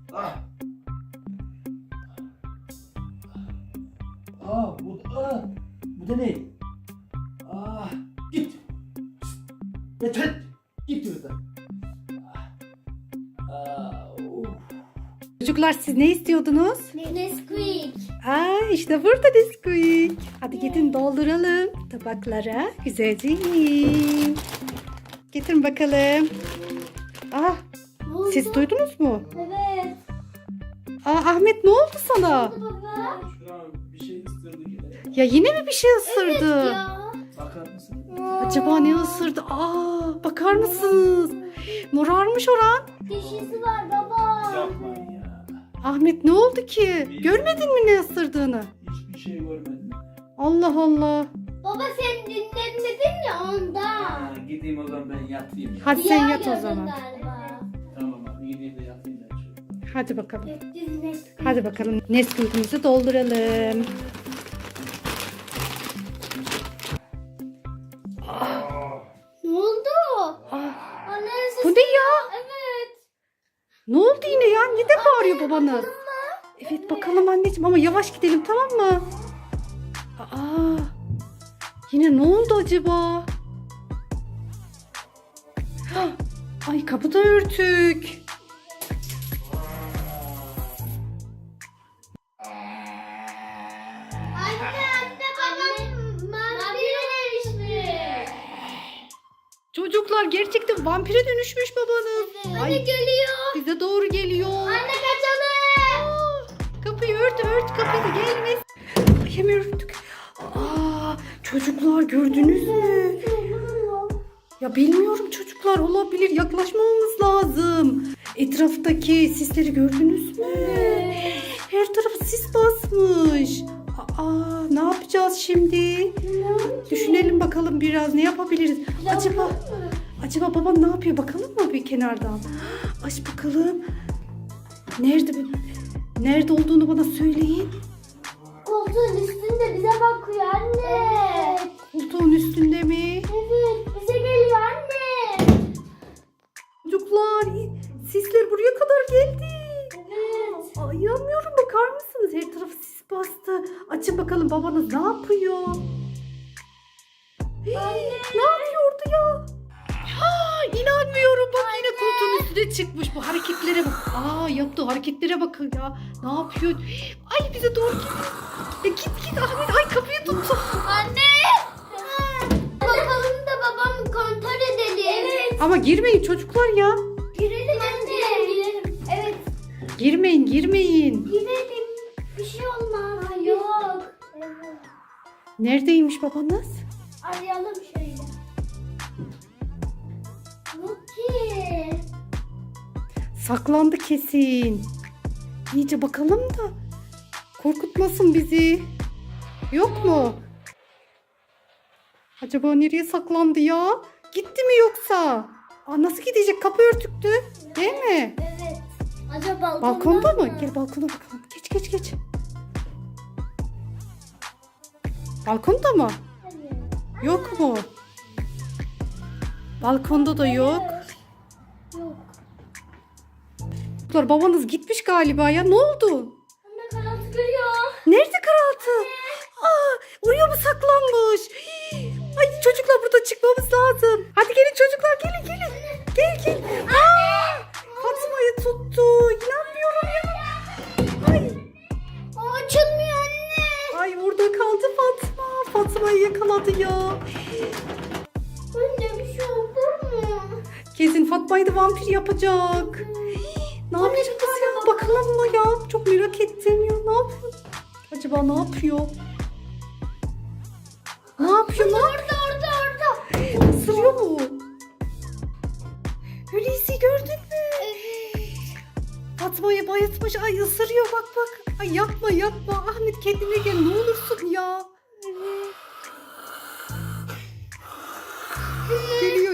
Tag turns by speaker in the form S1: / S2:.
S1: Ah. Bu da ne? Git. Yeter. Git buradan.
S2: Çocuklar siz ne istiyordunuz?
S3: Nesquik.
S2: İşte burada Nesquik. Hadi gidin dolduralım tabaklara. Güzelce yiyin. Getirin bakalım. Siz duydunuz mu?
S3: Evet.
S2: Ahmet ne oldu sana?
S3: Baba.
S1: Şuran bir şey ısırdı yine.
S2: Ya yine mi bir şey ısırdı?
S3: Ya.
S1: Bakar mısın?
S2: Acaba ne ısırdı? Bakar mısınız? Morarmış oran.
S3: Dişisi var baba.
S1: Yapmayın ya.
S2: Ahmet ne oldu ki? Görmedin mi ne ısırdığını?
S1: Hiçbir şey görmedim.
S2: Allah Allah.
S3: Baba sen dinlemedin ya ondan.
S1: Gideyim o zaman ben yatayım ya.
S2: Hadi sen
S3: Rüya
S2: yat o
S3: gördün
S2: zaman.
S3: galiba.
S1: Tamam abi gideyim de yatayım ben şöyle.
S2: Hadi bakalım.
S3: Biz Nesquik.
S2: Hadi bakalım Nesquik'imizi dolduralım.
S3: Ne oldu? Anne
S2: Bu ne ya?
S3: Evet.
S2: Ne oldu yine ya? Neden bağırıyor babanız? Evet bakalım anneciğim ama yavaş gidelim tamam mı? Yine ne oldu acaba? Ay kapı da örtük.
S3: Anne babam vampire dönüşmüş.
S2: Çocuklar gerçekten vampire dönüşmüş babanız.
S3: Anne geliyor.
S2: Bize doğru geliyor.
S3: Anne kaçalım.
S2: Kapıyı ört kapıyı da gelmez. Ay hemen örttük. Çocuklar gördünüz mü? Ya bilmiyorum çocuklar olabilir. Yaklaşmamamız lazım. Etraftaki sisleri gördünüz mü? Her tarafı sis basmış. Ne yapacağız şimdi? Düşünelim bakalım biraz ne yapabiliriz? Acaba baban ne yapıyor? Bakalım mı bir kenardan? Aç bakalım. Nerede olduğunu bana söyleyin.
S3: Koltuğun üstünde bize bakıyor anne.
S2: Koltuğun üstünde mi?
S3: Evet bize geliyor anne.
S2: Çocuklar sisler buraya kadar geldi.
S3: Evet.
S2: Inanmıyorum bakar mısınız? Her tarafı sis bastı. Açın bakalım babanız ne yapıyor? Ne yapıyordu ya? İnanmıyorum bak yine koltuğun üstüne çıkmış. Bu hareketlere bak. Yaptığı hareketlere bakın ya. Ne yapıyor? Ay bize doğru git. Git Ahmet. Ay kapıyı tuttu.
S3: Anne. Bakalım da babamı kontrol edelim. Evet.
S2: Ama girmeyin çocuklar ya.
S3: Girelim anne. Girelim. Evet.
S2: Girmeyin.
S3: Girelim. Bir şey olmaz. Yok. Evet.
S2: Neredeymiş babanız?
S3: Arayalım şöyle. Yok ki.
S2: Saklandı kesin. İyice bakalım da korkutmasın bizi. Yok mu? Acaba nereye saklandı ya? Gitti mi yoksa? Nasıl gidecek? Kapı örtüktü. Değil mi?
S3: Evet. Acaba
S2: Balkonda mı? Gel balkona bakalım. Geç. Balkonda mı? Yok mu? Balkonda da yok.
S3: Yok.
S2: Çocuklar, babanız gitmiş galiba ya. Ne oldu?
S3: Anne karanlık görüyor.
S2: Nerede karaltı? Oraya mı saklanmış? Ay çocuklar burada çıkmamız lazım. Hadi gelin çocuklar gelin. Gel. Fatma'yı tuttu. İnanmıyorum ya. Ay.
S3: Açılmıyor anne.
S2: Ay orada kaldı Fatma. Fatma'yı yakaladı ya.
S3: Anne bir şey olur mu?
S2: Kesin Fatma'yı da vampir yapacak. Ne yapacağız ya? Bakalım mı ya? Çok merak ettim ya. Ne yapıyor? Acaba ne yapıyor?
S3: Orada.
S2: Isırıyor mu? Hulusi gördün mü? Fatma'yı bayıltmış. Ay ısırıyor bak. Ay yapma. Ahmet kendine gel ne olursun ya. Geliyor.